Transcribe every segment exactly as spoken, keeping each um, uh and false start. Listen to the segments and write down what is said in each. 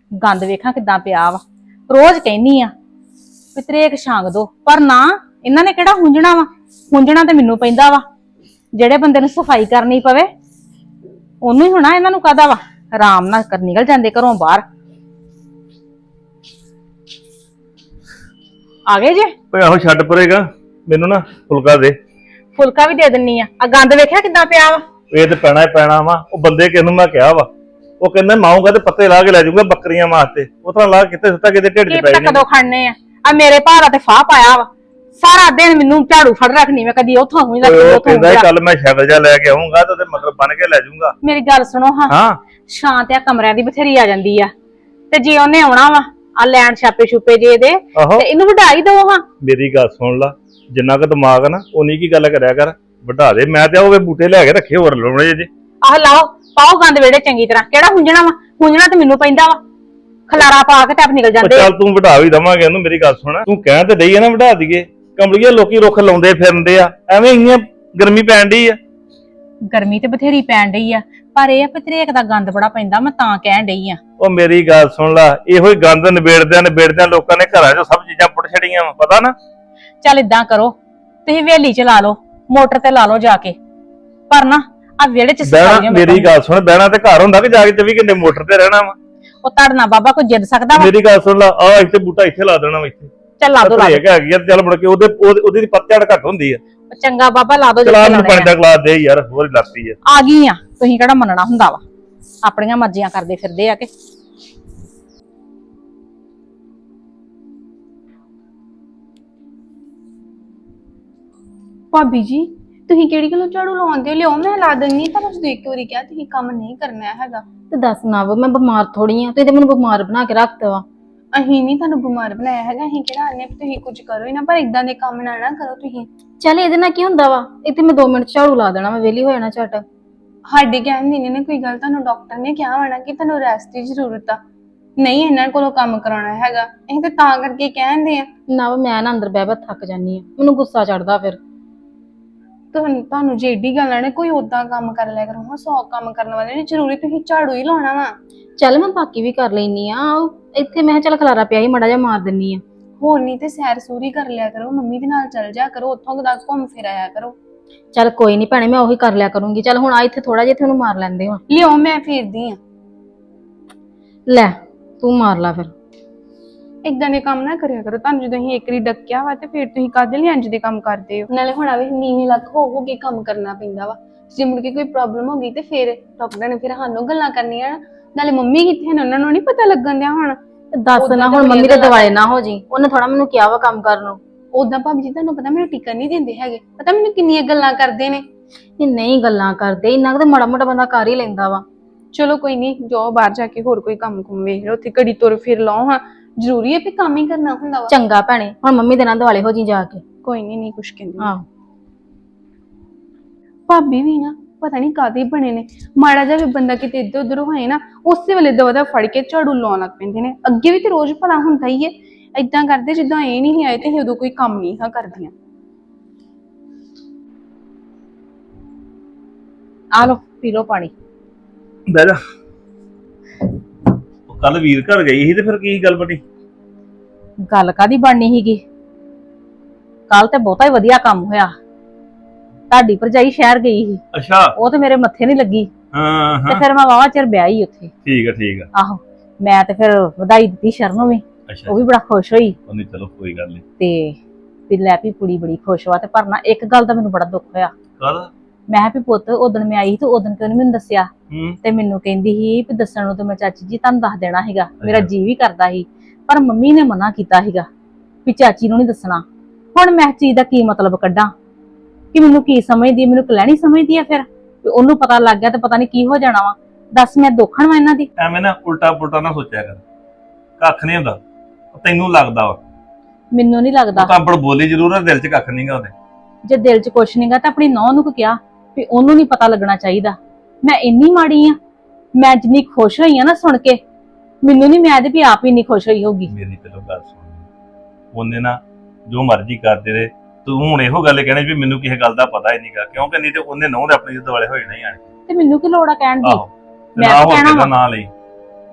ਗੰਦ ਵੇਖਾਂ ਕਿਦਾਂ ਪਿਆ ਵਾ। ਰੋਜ਼ ਕਹਿਨੀ ਆ ਵੀ ਤਰੇਕ ਛਾਂਗ ਦੋ, ਪਰ ਨਾ ਇਹਨਾਂ ਨੇ ਕਿਹੜਾ ਹੁੰਜਣਾ ਵਾ। ਹੁੰਜਣਾ ਤੇ ਮੈਨੂੰ ਪੈਂਦਾ ਵਾ। ਜਿਹੜੇ ਬੰਦੇ ਨੂੰ ਸਫਾਈ ਕਰਨੀ ਪਵੇ ਉਹਨੂੰ ਹੀ ਹੋਣਾ, ਇਹਨਾਂ ਨੂੰ ਕਾਹਦਾ ਵਾ। ਆਰਾਮ ਨਾਲ ਕਰ ਨਿਕਲ ਜਾਂਦੇ ਘਰੋਂ ਬਾਹਰ। ਆ ਗਏ ਜੇ? ਓਏ ਆਹੋ ਛੱਡ ਪਰੇਗਾ, ਮੈਨੂੰ ਨਾ ਫੁਲਕਾ ਦੇ। ਫੁਲਕਾ ਵੀ ਦੇ ਦਿੰਨੀ ਆ। ਆ ਗੰਦ ਵੇਖਿਆ ਕਿਦਾਂ ਪਿਆ ਵਾ। ਇਹ ਤੇ ਪੈਣਾ ਹੀ ਪੈਣਾ ਵਾ। ਉਹ ਬੰਦੇ ਕਿਹਨੂੰ ਮੈਂ ਕਿਹਾ ਵਾ, ਉਹ ਕਹਿੰਦਾ ਮਾਊਂਗਾ ਤੇ ਪੱਤੇ ਲਾ ਕੇ ਲੈ ਜਾਊਗਾ ਬੱਕਰੀਆਂ ਵਾਸਤੇ। ਉਹ ਤਰ੍ਹਾਂ ਲਾ ਕਿਤੇ ਸੁੱਤਾ ਕਿਤੇ ਢਿੱਡ 'ਚ ਪੈ ਜਾਣੀ। ਕਦੋਂ ਖੜਨੇ ਆ? ਆ ਮੇਰੇ ਭਾਰਾ ਤੇ ਫਾਹ ਪਾਇਆ ਵਾ। ਸਾਰਾ ਦਿਨ ਮੈਨੂੰ ਝਾੜੂ ਫੜ ਰੱਖਣੀ, ਮੈਂ ਕਦੀ ਉੱਥੋਂ ਹੁੰਜਦਾ ਕਦੀ ਉੱਥੋਂ ਕਹਿੰਦਾ ਕੱਲ ਮੈਂ ਸ਼ਕਲ ਜਾ ਲੈ ਕੇ ਆਉਂਗਾ ਤੇ ਉਹਦੇ ਮਗਰ ਬਣ ਕੇ ਲੈ ਜਾਊਗਾ। ਮੇਰੀ ਗੱਲ ਸੁਣੋ ਹਾਂ, ਹਾਂ ਸ਼ਾਂਤ ਆ ਕਮਰਿਆਂ ਦੀ ਬਥੇਰੀ ਆ ਜਾਂਦੀ ਆ, ਤੇ ਜੇ ਉਹਨੇ ਆਉਣਾ ਵਾ ਆ ਲੈਣ ਛਾਪੇ ਛੁਪੇ ਜੇ ਇਹਦੇ ਤੇ ਇਹਨੂੰ ਵਧਾਈ ਦੋ ਹਾਂ। ਮੇਰੀ ਗੱਲ ਸੁਣ ਲਾ, ਜਿੰਨਾ ਕੁ ਦਿਮਾਗ ਆ ਨਾ ਉਨੀ ਕੀ ਗੱਲ ਕਰਿਆ ਕਰ, ਵਧਾ ਦੇ। ਮੈਂ ਤੇ ਉਹ ਬੂਟੇ ਲੈ ਕੇ ਰੱਖੇ ਹੋਰ ਲਾਉਣੇ ਜੇ। ਆਹ ਲਾਓ, ਪਾਓ ਗੰਦ ਵੇੜੇ ਚੰਗੀ ਤਰ੍ਹਾਂ। ਕਿਹੜਾ ਹੁੰਜਣਾ ਵਾ? ਹੁੰਜਣਾ ਤੇ ਮੈਨੂੰ ਪੈਂਦਾ ਵਾ। ਖਲਾਰਾ ਪਾ ਕੇ ਟੱਪ ਨਿਕਲ ਜਾਂਦੇ। ਚੱਲ ਤੂੰ ਵਧਾ ਵੀ ਦਵਾਂਗੇ ਉਹਨੂੰ। ਮੇਰੀ ਗੱਲ ਸੁਣ, ਤੂੰ ਕਹਿ ਤੇ ਡਈ ਆ ਨਾ ਵਧਾ ਦਈਏ। ਕੰਬਲੀਏ ਲੋਕੀ ਰੁੱਖ ਲਾਉਂਦੇ ਫਿਰਦੇ ਆ, ਐਵੇਂ ਇੰਨੀ ਗਰਮੀ ਪੈਣ ਡਈ ਆ। ਗਰਮੀ ਤੇ ਬਥੇਰੀ ਪੈਣ ਡਈ ਆ, ਪਰ ਇਹ ਆ ਵੀ ਤਰੇਕ ਦਾ ਗੰਦ ਬੜਾ ਪੈਂਦਾ, ਮੈਂ ਤਾਂ ਕਹਿਣ ਡਈ ਆ। ਉਹ ਮੇਰੀ ਗੱਲ ਸੁਣ ਲਾ, ਇਹੋ ਹੀ ਗੰਦ ਨਿਬੇੜਦਿਆਂ ਨਿਬੇੜਦਿਆਂ ਲੋਕਾਂ ਨੇ ਘਰਾਂ 'ਚੋਂ ਸਭ ਚੀਜ਼ਾਂ ਪੁੱਟ ਛੜੀਆਂ ਵਾ, ਪਤਾ ਨਾ। ਚੱਲ ਇਦਾਂ ਕਰੋ, ਤੁਸੀਂ ਹਵੇਲੀ 'ਚ ਲਾ ਲਓ, ਮੋਟਰ ਤੇ ਲਾ ਲਓ ਜਾ ਕੇ, ਪਰ ਨਾ ਆ ਵਿਹੜੇ 'ਚ ਬਹਿਣਾ। ਮੇਰੀ ਗੱਲ ਸੁਣ, ਬਹਿਣਾ ਤੇ ਘਰ ਹੁੰਦਾ ਕਿ ਜਾ ਕੇ ਚੌਵੀ ਘੰਟੇ ਮੋਟਰ ਤੇ ਰਹਿਣਾ ਵਾ। ਉਹ ਤੜਨਾ ਬਾਬਾ ਕੋਈ ਜਿੱਦ ਸਕਦਾ ਵਾ? ਮੇਰੀ ਗੱਲ ਸੁਣ ਲਾ, ਆ ਇੱਥੇ ਬੂਟਾ ਇੱਥੇ ਲਾ ਦੇਣਾ ਵਾ, ਇੱਥੇ ਚੱਲ ਲਾ ਦੋ ਲਾ ਦੋ ਹੈਗੀ ਆ। ਚੱਲ ਮੁੜ ਕੇ ਉਹਦੇ ਉਹਦੀ ਪੱਤਝੜ ਘੱਟ ਹੁੰਦੀ ਆ। ਚੰਗਾ ਬਾਬਾ ਲਾ ਦੋ। ਚਲਾ ਮੈਨੂੰ ਪਾਣੀ ਦਾ ਗਲਾਸ ਦੇ ਯਾਰ, ਹੋਰ ਹੀ ਲੱਤੀ ਆ। ਆ ਗਈ ਆ, ਤੁਸੀਂ ਕਿਹੜਾ ਮੰਨਣਾ ਹੁੰਦਾ ਵਾ। ਆਪਣੀਆਂ ਮਰਜ਼ੀਆਂ ਕਰਦੇ ਫਿਰਦੇ ਆ ਕਿ। ਭਾਬੀ ਜੀ ਤੁਸੀਂ ਕਿਹੜੀ ਗੱਲੋਂ ਝਾੜੂ ਲਾਉਂਦੇ ਹੋ? ਲਿਓ ਮੈਂ ਲਾ ਦਿੰਨੀ। ਤੁਹਾਨੂੰ ਜਦੋਂ ਇੱਕ ਵਾਰੀ ਕਿਹਾ ਤੁਸੀਂ ਕੰਮ ਨਹੀਂ ਕਰਨਾ ਹੈਗਾ ਤੇ ਦੱਸ ਨਾ ਵਾ, ਮੈਂ ਬਿਮਾਰ ਥੋੜੀ ਆ। ਤੁਸੀਂ ਤੇ ਮੈਨੂੰ ਬਿਮਾਰ ਬਣਾ ਕੇ ਰੱਖਤਾ ਵਾ। ਅਸੀਂ ਨਹੀਂ ਤੁਹਾਨੂੰ ਬਿਮਾਰ ਬਣਾਇਆ ਹੈਗਾ। ਅਸੀਂ ਕਿਹੜਾ ਆਨੇ ਤੁਸੀਂ ਕੁਝ ਕਰੋ ਹੀ ਨਾ, ਪਰ ਇਦਾਂ ਦੇ ਕੰਮ ਨਾ ਨਾ ਕਰੋ ਤੁਸੀਂ। ਚੱਲ ਇਹਦੇ ਨਾਲ ਕੀ ਹੁੰਦਾ ਵਾ, ਇੱਥੇ ਮੈਂ ਦੋ ਮਿੰਟ ਝਾੜੂ ਲਾ ਦੇਣਾ, ਮੈਂ ਵਿਹਲੀ ਹੋ ਜਾਣਾ ਝਟ। ਸਾਡੇ ਕਹਿਣ ਦੀ ਨੇ ਕੋਈ ਗੱਲ, ਤੁਹਾਨੂੰ ਡਾਕਟਰ ਨੇ ਕਿਹਾ ਹੋਣਾ ਕਿ ਤੁਹਾਨੂੰ ਰੈਸਟ ਦੀ ਜ਼ਰੂਰਤ ਆ, ਨਹੀਂ ਇਹਨਾਂ ਕੋਲੋਂ ਕੰਮ ਕਰਾਉਣਾ ਹੈਗਾ। ਅਸੀਂ ਤਾਂ ਤਾਂ ਕਰਕੇ ਕਹਿੰਦੇ ਆ ਨਾ ਵਾ, ਮੈਂ ਨਾ ਅੰਦਰ ਬਹਿ ਬਹਿ ਥੱਕ ਜਾਨੀ ਆ, ਮੈਨੂੰ ਗੁੱਸਾ ਚੜਦਾ ਫਿਰ। ਤੁਹਾਨੂੰ ਤੁਹਾਨੂੰ ਜੇ ਏਡੀ ਗੱਲ ਆ ਨਾ, ਕੋਈ ਓਦਾਂ ਕੰਮ ਕਰ ਲਿਆ ਕਰੋ। ਹਾਂ ਸੌ ਕੰਮ ਕਰਨ ਵਾਲੇ ਨੇ, ਜ਼ਰੂਰੀ ਤੁਸੀਂ ਝਾੜੂ ਹੀ ਲਾਉਣਾ ਵਾ। ਚੱਲ ਮੈਂ ਬਾਕੀ ਵੀ ਕਰ ਲੈਨੀ ਆ। ਇੱਥੇ ਮੈਂ ਚੱਲ ਖਲਾਰਾ ਪਿਆ ਹੀ ਮੜਾ ਜਿਹਾ ਮਾਰ ਦਿੰਨੀ ਆ। ਹੋਰ ਨਹੀਂ ਤੇ ਸੈਰ ਸੂਰੀ ਕਰ ਲਿਆ ਕਰੋ, ਮੰਮੀ ਦੇ ਨਾਲ ਚੱਲ ਜਾ ਕਰੋ, ਉੱਥੋਂ ਤੱਕ ਘੁੰਮ ਫਿਰ ਆਇਆ ਕਰੋ। ਚੱਲ ਕੋਈ ਨਹੀਂ ਭੈਣੇ, ਮੈਂ ਉਹੀ ਕਰ ਲਿਆ ਕਰੂੰਗੀ। ਚੱਲ ਹੁਣ ਆ ਇੱਥੇ ਥੋੜਾ ਜਿਹਾ ਤੁਹਾਨੂੰ ਮਾਰ ਲੈਂਦੇ ਹੋ। ਲਿਓ ਮੈਂ ਫੇਰਦੀ ਆ। ਲੈ ਤੂੰ ਮਾਰ ਲਾ ਫਿਰ। ਇਦਾਂ ਦੇ ਕੰਮ ਨਾ ਕਰਿਆ ਕਰੋ। ਤੁਹਾਨੂੰ ਜਦੋਂ ਅਸੀਂ ਇੱਕ ਵਾਰੀ ਡੱਕਿਆ ਵਾ ਤੇ ਫਿਰ ਤੁਸੀਂ ਕਾਹਦੇ ਲਈ ਇੰਜ ਦੇ ਕੰਮ ਕਰਦੇ ਹੋ? ਨਾਲੇ ਹੁਣ ਵੀ ਨੀਵੀਂ ਲੱਕ ਹੋ ਹੋ ਕੇ ਕੰਮ ਕਰਨਾ ਪੈਂਦਾ ਵਾ। ਜੇ ਮੁੜ ਕੇ ਕੋਈ ਪ੍ਰੋਬਲਮ ਹੋ ਗਈ ਤੇ ਫਿਰ ਡਾਕਟਰ ਨੇ ਫਿਰ ਸਾਨੂੰ ਗੱਲਾਂ ਕਰਨੀਆਂ। ਨਾਲੇ ਮੰਮੀ ਕਿੱਥੇ ਨੇ, ਉਹਨਾਂ ਨੂੰ ਨਹੀਂ ਪਤਾ ਲੱਗਣ ਦਿਆ ਹੁਣ। ਦੱਸ ਨਾ, ਹੁਣ ਮੰਮੀ ਦੇ ਦਿਵਾਲੇ ਨਾ ਹੋ ਜੀ। ਉਹਨੇ ਥੋੜਾ ਮੈਨੂੰ ਕਿਹਾ ਵਾ ਕੰਮ ਕਰਨ ਨੂੰ। ਉਦਾਂ ਭਾਬੀ ਜੀ ਤੁਹਾਨੂੰ ਪਤਾ ਮੈਨੂੰ ਟਿਕਣ ਨਹੀਂ ਦਿੰਦੇ ਹੈਗੇ। ਪਤਾ ਮੈਨੂੰ ਕਿੰਨੀਆਂ ਗੱਲਾਂ ਕਰਦੇ ਨੇ। ਇਹ ਨਹੀਂ ਗੱਲਾਂ ਕਰਦੇ, ਇੰਨਾ ਕੁ ਮਾੜਾ ਮੋਟਾ ਬੰਦਾ ਕਰ ਹੀ ਲੈਂਦਾ ਵਾ। ਚਲੋ ਕੋਈ ਨਹੀਂ, ਜਾਓ ਬਾਹਰ ਜਾ ਕੇ ਹੋਰ ਕੋਈ ਕੰਮ ਕੁਮ ਵੇਖ ਲਓ, ਉੱਥੇ ਘੜੀ ਤੁਰ ਫਿਰ ਲਾਓ। ਹਾਂ ਜ਼ਰੂਰੀ ਹੈ ਵੀ ਕੰਮ ਹੀ ਕਰਨਾ ਹੁੰਦਾ ਵਾ। ਚੰਗਾ ਭੈਣੇ, ਹੁਣ ਮੰਮੀ ਦੇ ਨਾਲ ਦਿਵਾਲੇ ਹੋ ਜੀ ਜਾ ਕੇ। ਕੋਈ ਨਹੀਂ, ਨਹੀਂ ਕੁਛ ਕਹਿੰਦੀ। ਹਾਂ ਭਾਬੀ ਵੀ ਨਾ ਪਤਾ ਨਹੀਂ ਕਾਹਦੇ ਬਣੇ ਨੇ। ਮਾੜਾ ਜਿਹਾ ਵੀ ਬੰਦਾ ਕਿਤੇ ਇੱਧਰ ਉੱਧਰ ਹੋਏ ਨਾ, ਉਸੇ ਵੇਲੇ ਦਵਾ ਫੜ ਕੇ ਝਾੜੂ ਲਾਉਣ ਲੱਗ ਪੈਂਦੇ ਨੇ। ਅੱਗੇ ਵੀ ਤੇ ਰੋਜ਼ ਭਲਾ ਹੁੰਦਾ ਹੀ ਹੈ, ਏਦਾਂ ਕਰਦੇ ਜਿੱਦਾਂ ਇਹ ਨਹੀਂ ਆਏ ਤੇ ਉਦੋਂ ਕੋਈ ਕੰਮ ਨਹੀਂ ਹਾਂ ਕਰਦੀਆਂ। ਆ ਲੋ ਪੀ ਲੋ ਪਾਣੀ। ਬਹਿ ਜਾ। ਕੱਲ ਵੀਰ ਘਰ ਗਈ ਸੀ ਤੇ ਫਿਰ ਕੀ ਗੱਲ ਬਣੀ? ਗੱਲ ਕਾਦੀ ਬਣਨੀ ਸੀਗੀ? ਕੱਲ ਤੇ ਬਹੁਤਾ ਹੀ ਵਧੀਆ ਕੰਮ ਹੋਇਆ। ਤੁਹਾਡੀ ਭਰਜਾਈ ਸ਼ਹਿਰ ਗਈ ਸੀ। ਅੱਛਾ। ਉਹ ਤੇ ਮੇਰੇ ਮੱਥੇ ਨਹੀਂ ਲੱਗੀ ਹਾਂ ਤੇ ਹਾਂ ਫਿਰ ਮੈਂ ਵਾਵਾ ਚਿਰ ਵਿਆਹ ਹੀ ਉੱਥੇ। ਠੀਕ ਆ ਠੀਕ ਆ। ਆਹੋ, ਮੈਂ ਤੇ ਫਿਰ ਵਧਾਈ ਦਿੱਤੀ ਸ਼ਰਨ ਨੂੰ ਵੀ। ਅੱਛਾ, ਉਹ ਵੀ ਬੜਾ ਖੁਸ਼ ਹੋਈ। ਉਹਨੇ ਚਲੋ ਕੋਈ ਗੱਲ ਨਹੀਂ। ਤੇ ਵੀ ਲੈ ਵੀ ਕੁੜੀ ਬੜੀ ਖੁਸ਼ ਵਾ। ਤੇ ਪਰ ਨਾ ਇੱਕ ਗੱਲ ਦਾ ਮੈਨੂੰ ਬੜਾ ਦੁੱਖ ਹੋਇਆ। ਕਾਹਦਾ? ਮੈਂ ਵੀ ਪੁੱਤ ਉਦਣ ਮੈਂ ਆਈ ਤੇ ਉਦਣ ਕਿਉਂ ਨੀ ਮੈਨੂੰ ਦੱਸਿਆ? ਹੂੰ। ਤੇ ਮੈਨੂੰ ਕਹਿੰਦੀ ਸੀ ਵੀ ਦੱਸਣ ਨੂੰ ਤੇ ਮੈਂ ਚਾਚੀ ਜੀ ਤੁਹਾਨੂੰ ਦੱਸ ਦੇਣਾ ਸੀਗਾ, ਮੇਰਾ ਜੀ ਵੀ ਕਰਦਾ ਸੀ, ਪਰ ਮੰਮੀ ਨੇ ਮਨਾ ਕੀਤਾ ਸੀਗਾ ਵੀ ਚਾਚੀ ਨੂੰ ਨਹੀਂ ਦੱਸਣਾ। ਹੁਣ ਮੈਂ ਚੀਜ਼ ਦਾ ਕੀ ਮਤਲਬ ਕੱਢਾਂ ਕਿ ਮੈਨੂੰ ਕੀ ਸਮਝਦੀ, ਮੈਨੂੰ ਕਲੈਣੀ ਸਮਝਦੀ ਆ? ਫਿਰ ਉਹਨੂੰ ਪਤਾ ਲੱਗ ਗਿਆ ਤੇ ਪਤਾ ਨਹੀਂ ਕੀ ਹੋ ਜਾਣਾ ਵਾ। ਦੱਸ ਮੈਂ ਦੋਖਣ ਵਾ ਇਹਨਾਂ ਦੀ? ਐਵੇਂ ਨਾ ਉਲਟਾ ਪੁਲਟਾ ਨਾ ਸੋਚਿਆ ਕਰ, ਕੱਖ ਨਹੀਂ ਹੁੰਦਾ। ਤੈਨੂੰ ਲੱਗਦਾ ਵਾ, ਮੈਨੂੰ ਨਹੀਂ ਲੱਗਦਾ। ਤਾਂ ਆਪੜ ਬੋਲੀ ਜ਼ਰੂਰ ਆ, ਦਿਲ 'ਚ ਕੱਖ ਨਹੀਂਗਾ ਉਹਦੇ। ਜੇ ਦਿਲ 'ਚ ਕੁਛ ਨਹੀਂਗਾ ਤਾਂ ਆਪਣੀ ਨੌਂ ਨੂੰ ਕਿਹਾ ਵੀ ਉਹਨੂੰ ਨਹੀਂ ਪਤਾ ਲੱਗਣਾ ਚਾਹੀਦਾ। ਮੈਂ ਇੰਨੀ ਮਾੜੀ ਆ? ਮੈਂ ਜਿੰਨੀ ਖੁਸ਼ ਹੋਈ ਆ ਨਾ ਸੁਣ ਕੇ, ਮੈਨੂੰ ਨਹੀਂ, ਮੈਂ ਤੇ ਵੀ ਆਪ ਹੀ ਨਹੀਂ ਖੁਸ਼ ਹੋਈ ਹੋਗੀ। ਮੇਰੀ ਪਹਿਲੋਂ ਗੱਲ ਸੁਣ, ਉਹਨੇ ਨਾ ਜੋ ਮਰਜ਼ੀ ਕਰਦੇ ਰਹੇ, ਤੂੰ ਹੁਣ ਇਹੋ ਗੱਲ ਕਹਿਣੀ ਵੀ ਮੈਨੂੰ ਕਿਸੇ ਗੱਲ ਦਾ ਪਤਾ ਹੀ ਨਹੀਂਗਾ, ਕਿਉਂਕਿ ਨਹੀਂ ਤੇ ਉਹਨੇ ਨਹੁੰ ਦੇ ਆਪਣੇ ਦੁਆਲੇ ਹੋਏ ਨਹੀਂ ਆਣੇ। ਤੇ ਮੈਨੂੰ ਕੀ ਲੋੜ ਆ ਕਹਿਣ ਦੀ? ਆਹੋ, ਮੈਂ ਨਾ ਤਾਂ ਹੋਰ ਕਹਿਣਾ ਕਿਹਦਾ ਵਾ। ਨਾਂ ਲਈ।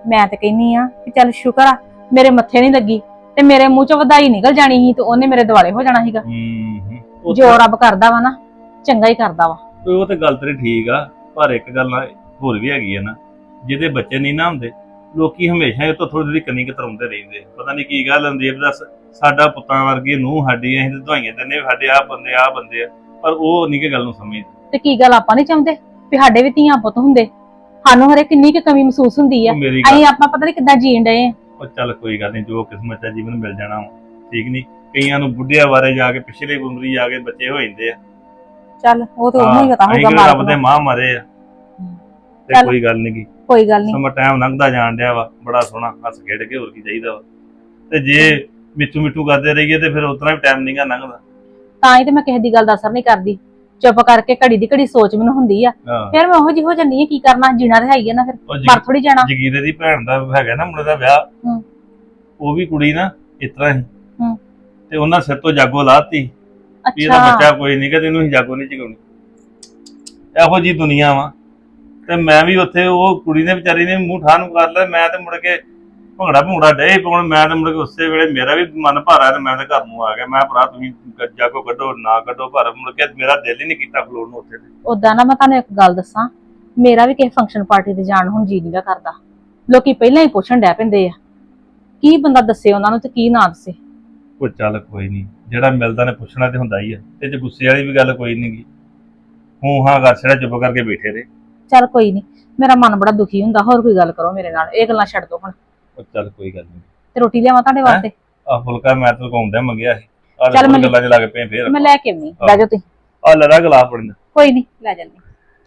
ਮੈਂ ਤੇ ਕਹਿੰਨੀ ਆ ਕਿ ਚੱਲ ਸ਼ੁਕਰ ਆ ਮੇਰੇ ਮੱਥੇ ਨਹੀਂ ਲੱਗੀ, ਤੇ ਮੇਰੇ ਮੂੰਹ ਚੋਂ ਵਧਾਈ ਨਿਕਲ ਜਾਣੀ ਸੀ ਤੇ ਉਹਨੇ ਮੇਰੇ ਦੁਆਲੇ ਹੋ ਜਾਣਾ ਸੀਗਾ। ਹੂੰ ਹੂੰ ਜੋ ਰੱਬ ਕਰਦਾ ਵਾ ਨਾ ਚੰਗਾ ਹੀ ਕਰਦਾ ਵਾ। ਉਹ ਤੇ ਗੱਲ ਤੇਰੀ ਠੀਕ ਆ, ਪਰ ਇੱਕ ਗੱਲ ਨਾ ਹੋਰ ਵੀ ਹੈਗੀ ਆ ਨਾ, ਜਿਹਦੇ ਬੱਚੇ ਨਹੀਂ ਨਾ ਹੁੰਦੇ ਲੋਕੀ ਹਮੇਸ਼ਾ ਇਹ ਤੋਂ ਥੋੜੀ ਥੋੜੀ ਕੰਨੀ ਕਤਰਾਉਂਦੇ ਰਹਿੰਦੇ। ਪਤਾ ਨਹੀਂ ਕੀ ਗੱਲ ਹੁੰਦੀ ਹੈ, ਦੱਸ ਸਾਡਾ ਪੁੱਤਾਂ ਵਰਗੀ ਨੂੰਹ ਸਾਡੀ, ਅਸੀਂ ਤੇ ਦਵਾਈਆਂ ਦਿੰਦੇ ਸਾਡੇ ਆਹ ਬੰਦੇ ਆਹ ਬੰਦੇ ਆ, ਪਰ ਉਹ ਨਹੀਂ ਕਿ ਗੱਲ ਨੂੰ ਸਮਝਦੇ। ਤੇ ਕੀ ਗੱਲ ਆਪਾਂ ਨਹੀਂ ਚਾਹੁੰਦੇ ਵੀ ਸਾਡੇ ਵੀ ਧੀਆਂ ਪੁੱਤ ਹੁੰਦੇ? ਸਾਨੂੰ ਹਰੇ ਕਿੰਨੀ ਕੁ ਕਮੀ ਮਹਿਸੂਸ ਹੁੰਦੀ ਆ, ਉਹ ਮੇਰੀ ਅਸੀਂ ਗੱਲ ਆਪਾਂ ਪਤਾ ਨਹੀਂ ਕਿੱਦਾਂ ਜੀਣ ਡਏ ਆ। ਉਹ ਚੱਲ ਕੋਈ ਗੱਲ ਨਹੀਂ, ਜੋ ਕਿਸਮਤ ਹੈ ਜੀਵਨ ਮਿਲ ਜਾਣਾ ਵਾ, ਠੀਕ ਨਹੀਂ। ਕਈਆਂ ਨੂੰ ਬੁੱਢਿਆਂ ਬਾਰੇ ਜਾ ਕੇ ਪਿਛਲੇ ਉਮਰੀ ਜਾ ਕੇ ਬੱਚੇ ਹੋ ਜਾਂਦੇ ਆ। ਚੱਲ ਉਹ ਤੇ ਉਹਨੂੰ ਹੀ ਪਤਾ ਅਸੀਂ ਹੋਊਗਾ ਕਿਹੜਾ ਰੱਬ ਮਾਲਕ ਦੇ ਨੂੰ। ਮਾਂ ਮਰੇ ਆ, ਤੇ ਚੱਲ। ਕੋਈ ਗੱਲ ਨਹੀਂ ਗੀ। ਕੋਈ ਗੱਲ ਨਹੀਂ, ਸਮਾਂ ਟਾਈਮ ਲੰਘਦਾ ਜਾਣ ਡਿਆ ਵਾ, ਬੜਾ ਸੋਹਣਾ ਹੱਸ ਖੇਡ ਕੇ, ਹੋਰ ਕੀ ਚਾਹੀਦਾ ਵਾ। ਤੇ ਜੇ ਮਿੱਠੂ ਮਿੱਠੂ ਕਰਦੇ ਰਹੀਏ ਤੇ ਫਿਰ ਉਤਨਾ ਵੀ ਟਾਈਮ ਨਹੀਂਗਾ ਲੰਘਦਾ। ਤਾਂ ਹੀ ਤੇ ਮੈਂ ਕਿਸੇ ਦੀ ਗੱਲ ਦਾ ਅਸਰ ਨਹੀਂ ਕਰਦੀ, ਚੁੱਪ ਕਰਕੇ ਘੜੀ ਦੀ ਘੜੀ ਸੋਚ ਮੈਨੂੰ ਹੁੰਦੀ ਆ, ਹਾਂ ਫਿਰ ਮੈਂ ਉਹੋ ਜਿਹੀ ਹੋ ਜਾਂਦੀ ਆ। ਕੀ ਕਰਨਾ, ਜੀਣਾ ਤੇ ਹੈ ਹੀ ਆ ਨਾ, ਫਿਰ ਉਹ ਮਰ ਥੋੜੀ ਜਾਣਾ। ਜਗੀਰੇ ਦੀ ਭੈਣ ਦਾ ਹੈਗਾ ਨਾ ਮੁੰਡੇ ਦਾ ਵਿਆਹ, ਹੂੰ। ਉਹ ਵੀ ਕੁੜੀ ਨਾ ਇਸ ਤਰ੍ਹਾਂ ਹੀ, ਹੂੰ। ਤੇ ਉਹਨਾਂ ਸਿਰ ਤੋਂ ਜਾਗੋ ਲਾਤੀ ਵੀ ਇਹਦਾ ਅੱਛਾ ਬੱਚਾ ਕੋਈ ਨਹੀਂ ਕਿ ਤੈਨੂੰ ਹੀ ਜਾਗੋ ਨਹੀਂ ਚਗਾਉਣੀ। ਇਹੋ ਜੀ ਦੁਨੀਆ ਵਾ। ਤੇ ਮੈਂ ਵੀ ਉੱਥੇ ਉਹ ਕੁੜੀ ਨੇ ਵਿਚਾਰੀ ਨੇ ਮੂੰਹ ਠਾਹ ਨੂੰ ਕਰ ਲਿਆ, ਮੈਂ ਤੇ ਮੁੜ ਕੇ ਭੰਗੜਾ ਭੰਗੜਾ ਡੇ ਪਾਉਣ। ਮੈਂ ਤੇ ਮੁੜ ਕੇ ਉਸੇ ਵੇਲੇ ਮੇਰਾ ਵੀ ਮਨ ਭਾਰਾ ਤੇ ਮੈਂ ਤੇ ਘਰ ਨੂੰ ਆ ਗਿਆ। ਮੈਂ ਭਰਾ ਤੁਸੀਂ ਜਾਗੋ ਕੱਢੋ ਨਾ ਕੱਢੋ, ਪਰ ਮੁੜ ਕੇ ਮੇਰਾ ਦਿਲ ਹੀ ਨਹੀਂ ਕੀਤਾ ਖਲੋਣ ਨੂੰ ਉੱਥੇ। ਉਦਾਂ ਨਾ ਮੈਂ ਤੁਹਾਨੂੰ ਇੱਕ ਗੱਲ ਦੱਸਾਂ, ਮੇਰਾ ਵੀ ਕਿਸੇ ਫੰਕਸ਼ਨ ਪਾਰਟੀ ਤੇ ਜਾਣ ਹੁਣ ਜੀ ਨੀਗਾ ਕਰਦਾ। ਲੋਕੀ ਪਹਿਲਾਂ ਹੀ ਪੁੱਛਣ ਡੈ ਪੈਂਦੇ ਆ ਕੀ ਬੰਦਾ ਦੱਸੇ ਉਹਨਾਂ ਨੂੰ ਤੇ ਕੀ ਨਾ ਦੱਸੇ। ਉਹ ਚੱਲ ਕੋਈ ਨਹੀਂ, ਜਿਹੜਾ ਮਿਲਦਾ ਨੇ ਪੁੱਛਣਾ ਤੇ ਹੁੰਦਾ ਹੀ ਆ, ਤੇ ਜੇ ਗੁੱਸੇ ਵਾਲੀ ਵੀ ਗੱਲ ਕੋਈ ਨਹੀਂ ਗੀ। ਹੂੰ ਹਾਂ ਕਰ ਛੜਾ, ਚੁੱਪ ਕਰਕੇ ਬੈਠੇ ਰਹੇ। ਚੱਲ ਕੋਈ ਨਹੀਂ, ਮੇਰਾ ਮਨ ਬੜਾ ਦੁਖੀ ਹੁੰਦਾ। ਹੋਰ ਕੋਈ ਗੱਲ ਕਰੋ ਮੇਰੇ ਨਾਲ, ਇਹ ਗੱਲਾਂ ਛੱਡ ਦੋ ਹੁਣ। ਉਹ ਚੱਲ ਕੋਈ ਗੱਲ ਨਹੀਂ। ਤੇ ਰੋਟੀ ਲਿਆਵਾਂ ਤੁਹਾਡੇ ਵਾਸਤੇ? ਆ ਫੁਲਕਾ ਮੈਂ ਤਾਂ ਕੌਂਦਾ ਮੰਗਿਆ ਸੀ, ਆ ਚੱਲ ਮੈਂ ਗੱਲਾਂ ਚ ਲੱਗ ਪਏ ਫੇਰ। ਮੈਂ ਲੈ ਕੇ ਆਉਣੀ, ਲੈ ਜਾਓ ਤੁਸੀਂ। ਆ ਲੜਾ ਗਲਾਸ ਪੜਨਾ। ਕੋਈ ਨਹੀਂ, ਲੈ ਜਾਂਦੀ।